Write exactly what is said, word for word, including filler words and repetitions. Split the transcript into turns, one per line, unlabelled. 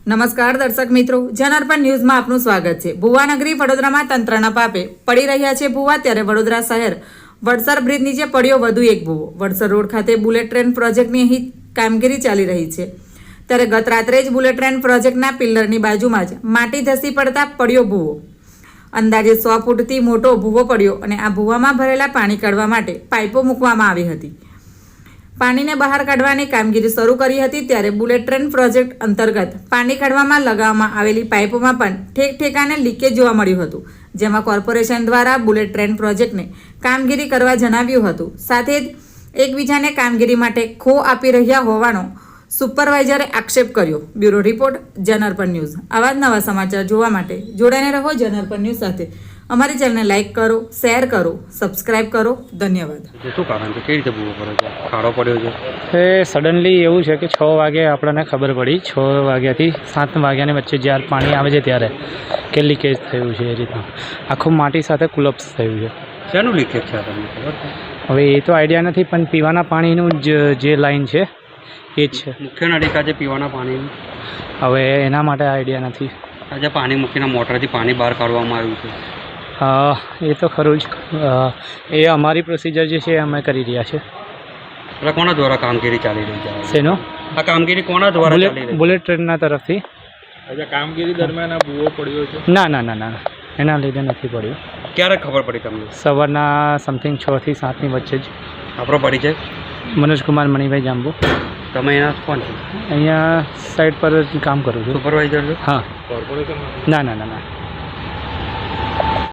નમસ્કાર દર્શક મિત્રો, જનાર્પણ ન્યૂઝમાં આપનું સ્વાગત છે। ભુવાનગરી વડોદરામાં તંત્રના પાપે પડી રહ્યા છે ભુવા, ત્યારે વડોદરા શહેર વડસર બ્રિજ નીચે પડ્યો વધુ એક ભુવો। વડસર રોડ ખાતે બુલેટ ટ્રેન પ્રોજેક્ટની અહીં કામગીરી ચાલી રહી છે, ત્યારે ગત રાત્રે જ બુલેટ ટ્રેન પ્રોજેક્ટના પિલ્લરની બાજુમાં જ માટી ધસી પડતા પડ્યો ભુવો। અંદાજે સો ફૂટથી મોટો ભુવો પડ્યો અને આ ભુવામાં ભરેલા પાણી કાઢવા માટે પાઇપો મૂકવામાં આવી હતી। પાણીને બહાર કાઢવાની કામગીરી શરૂ કરી હતી, ત્યારે બુલેટ ટ્રેન પ્રોજેક્ટ અંતર્ગત પાણી કાઢવામાં લગાવવામાં આવેલી પાઇપોમાં પણ ઠેક ઠેકાને લીકેજ જોવા મળ્યું હતું, જેમાં કોર્પોરેશન દ્વારા બુલેટ ટ્રેન પ્રોજેક્ટને કામગીરી કરવા જણાવ્યું હતું। સાથે જ એકબીજાને કામગીરી માટે ખો આપી રહ્યા હોવાનો સુપરવાઇઝરે આક્ષેપ કર્યો। Bureau report, Janarpan news. આવા જ નવા સમાચાર જોવા માટે જોડાઈને રહો જનાર્પણ ન્યૂઝ સાથે। અમારી ચેનલને લાઇક કરો, શેર કરો, સબસ્ક્રાઇબ કરો। ધન્યવાદ।
શું કારણ છે? કેવી રીતે ભૂવો પડ્યો છે? ખાડો પડ્યો છે?
એ સડનલી એવું છે કે છ વાગે આપણને ખબર પડી, છ વાગ્યાથી સાત વાગ્યાની વચ્ચે જ્યારે પાણી આવે છે ત્યારે કે લીકેજ થયું છે। એ રીતના આખું માટી સાથે કુલપ્સ થયું છે।
શેનું લીકેજ છે તમને ખબર છે?
હવે એ તો આઈડિયા નથી, પણ પીવાના પાણીનું જ જે લાઈન છે એ જ છે।
મુખ્ય નળિકા છે પીવાના પાણીનું,
હવે એના માટે આઈડિયા નથી।
આજે પાણી મૂકીને મોટરથી પાણી બહાર કાઢવામાં આવ્યું છે।
અ, એ તો ખરું જ, અ, એ અમારી પ્રોસિજર જે છે એ અમે કરી રહ્યા છે।
એટલે કોના દ્વારા કામગીરી ચાલી રહી છે?
શેનો?
આ કામગીરી કોના દ્વારા ચાલી
બુલેટ
રહી
બુલેટ ટ્રેનના તરફથી।
આજે કામગીરી દરમિયાન આ ભૂવો પડ્યો છે?
ના ના ના ના એના લીધે નથી પડ્યું।
છે? ક્યારે ખબર પડી તમને?
સવારના સમથિંગ છ થી સાતની વચ્ચે જ।
આપણો પડી છે?
મનોજકુમાર મણિભાઈ જાંબુ,
તમે એના કોણ છો?
અહીંયા સાઈડ પર જ કામ કરું છું।
સુપરવાઇઝર છો?
હા,
કોર્પોરેશન
ના ના ના ના